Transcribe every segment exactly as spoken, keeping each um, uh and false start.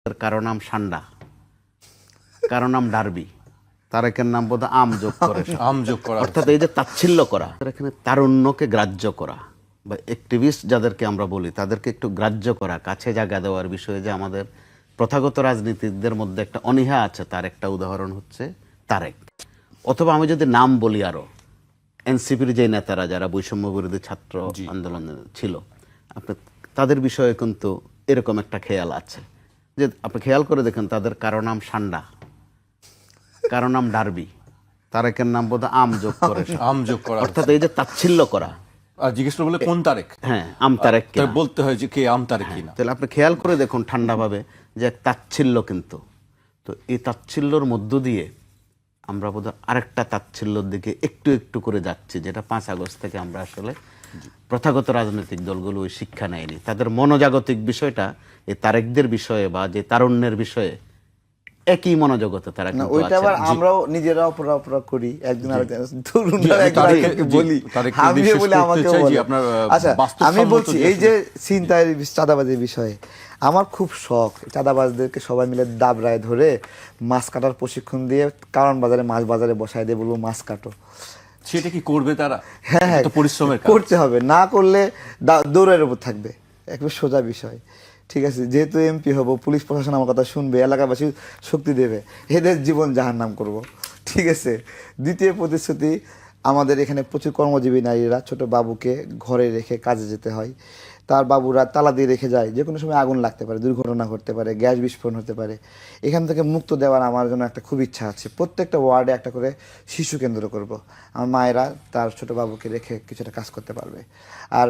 তার কারো নাম সান্ডা, কারো নাম ডার্বি, তারেকের নাম বোধ আম যোগ করে আম যোগ করা, অর্থাৎ এই যে তাচ্ছিল্য করা, এখানে তারুণ্যকে গ্রাহ্য করা বা অ্যাক্টিভিস্ট যাদেরকে আমরা বলি তাদেরকে একটু গ্রাহ্য করা, কাছে জায়গা দেওয়ার বিষয়ে যে আমাদের প্রথাগত রাজনীতিকদের মধ্যে একটা অনীহা আছে, তার একটা উদাহরণ হচ্ছে তারেক। অথবা আমি যদি নাম বলি আরো এনসিপির যে নেতারা যারা বৈষম্য বিরোধী ছাত্র আন্দোলনে ছিল, আপনি তাদের বিষয়ে কিন্তু এরকম একটা খেয়াল আছে যে আপনি খেয়াল করে দেখেন তাদের কারো নাম সান্ডা, কারো নাম ডার্বি, তারেকের নাম বোধ আম যোগ করে আম যোগ করা, অর্থাৎ এই যে তাচ্ছিল্য করা। আর জিজ্ঞেস করে বলে কোন তারেক, হ্যাঁ আম তারেক তাই বলতে হয় যে কে আম তারেক কিনা। তাহলে আপনি খেয়াল করে দেখুন ঠান্ডাভাবে যে এক তাচ্ছিল্য, কিন্তু তো এই তাচ্ছিল্যর মধ্য দিয়ে আমরা বোধহয় আরেকটা তাচ্ছিল্যর দিকে একটু একটু করে যাচ্ছি, যেটা পাঁচ আগস্ট থেকে আমরা আসলে প্রথাগত রাজনৈতিক দলগুলো ওই শিক্ষা নেয়নি। তাদের মনোজাগতিক বিষয়টা এই তারেকদের বিষয়ে বা যে তারুণ্যের বিষয়ে একই মনোজগতে তারা না, কিন্তু ওইটা আছে। আবার আমরাও নিজেরা অপরা অপরা করি, একজন আরেকজন তরুণরা আমি একজন তারেককে- আরেকজনকে জি, বলি, তারেককে আমিও বিশ্বাস বলি করতে আমাকে চাই যে বলে। আপনার, আহ, আচ্ছা আমি বাস্তবসম্মত বলছি যে এই যে ছিনতাইয়ের চাঁদাবাজির বিষয়ে আমার খুব শখ, চাঁদাবাজদেরকে সবাই মিলে দাবরায় ধরে মাছ কাটার প্রশিক্ষণ দিয়ে কারণ বাজারে মাছ বাজারে বসায় দিয়ে বলবো মাছ কাটো। সেটা কি করবে তারা? হ্যাঁ হ্যাঁ এটা তো পরিশ্রমের কাজ। করতে হবে, না করলে দা- দৌড়ের উপর থাকবে, একবার সোজা বিষয়। ঠিক আছে, যেহেতু এমপি হব, পুলিশ প্রশাসন আমার কথা শুনবে, এলাকাবাসী শক্তি দেবে, এদের জীবন জাহান্নাম করব। ঠিক আছে। দ্বিতীয় প্রতিশ্রুতি, আমাদের এখানে প্রচুর কর্মজীবী নারীরা ছোট বাবুকে ঘরে রেখে কাজে যেতে হয়, তার বাবুরা তালা দিয়ে রেখে যায়, যে কোনো সময় আগুন লাগতে পারে, দুর্ঘটনা ঘটতে পারে, গ্যাস বিস্ফোরণ হতে পারে। এখান থেকে মুক্ত দেওয়ার আমার জন্য একটা খুব ইচ্ছা আছে, প্রত্যেকটা ওয়ার্ডে একটা করে শিশু কেন্দ্র করব। আমার মায়েরা তার ছোট বাবুকে রেখে কিছুটা কাজ করতে পারবে। আর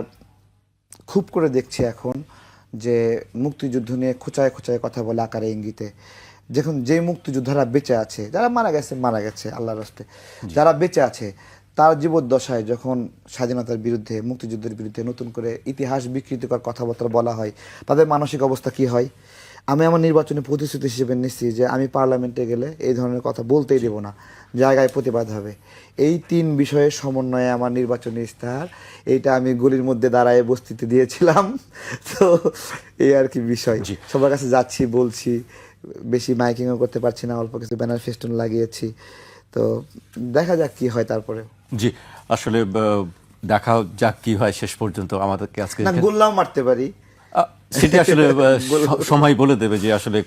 খুব করে দেখছি এখন যে মুক্তিযুদ্ধ নিয়ে খোঁচায় খোঁচায় কথা বলে আকারে ইঙ্গিতে, যখন যে মুক্তিযোদ্ধারা বেঁচে আছে, যারা মারা গেছে মারা গেছে আল্লাহর রাস্তে, যারা বেঁচে আছে তার জীবদ্দশায় যখন স্বাধীনতার বিরুদ্ধে, মুক্তিযুদ্ধের বিরুদ্ধে নতুন করে ইতিহাস বিকৃতিকর কথাবার্তা বলা হয়, তাদের মানসিক অবস্থা কি হয়। আমি আমার নির্বাচনী প্রতিশ্রুতি হিসেবে নিচ্ছি যে আমি পার্লামেন্টে গেলে এই ধরনের কথা বলতেই দেব না, জায়গায় প্রতিবাদ হবে। এই তিন বিষয়ের সমন্বয়ে আমার নির্বাচনী ইস্তাহার, এইটা আমি গলির মধ্যে দাঁড়ায় বস্তিতে দিয়েছিলাম। তো এই আর কি বিষয়, সবার কাছে যাচ্ছি বলছি, বেশি মাইকিংও করতে পারছি না, অল্প কিছু ব্যানার ফেস্টুন লাগিয়েছি। তো দেখা যাক কি হয় তারপরে। জি, আসলে আহ, দেখা যাক কি হয় শেষ পর্যন্ত। আমাদেরকে আজকে না, গোল্লাও মারতে পারি, আহ, সেটা আসলে আহ, স- সময় বলে দেবে যে আসলে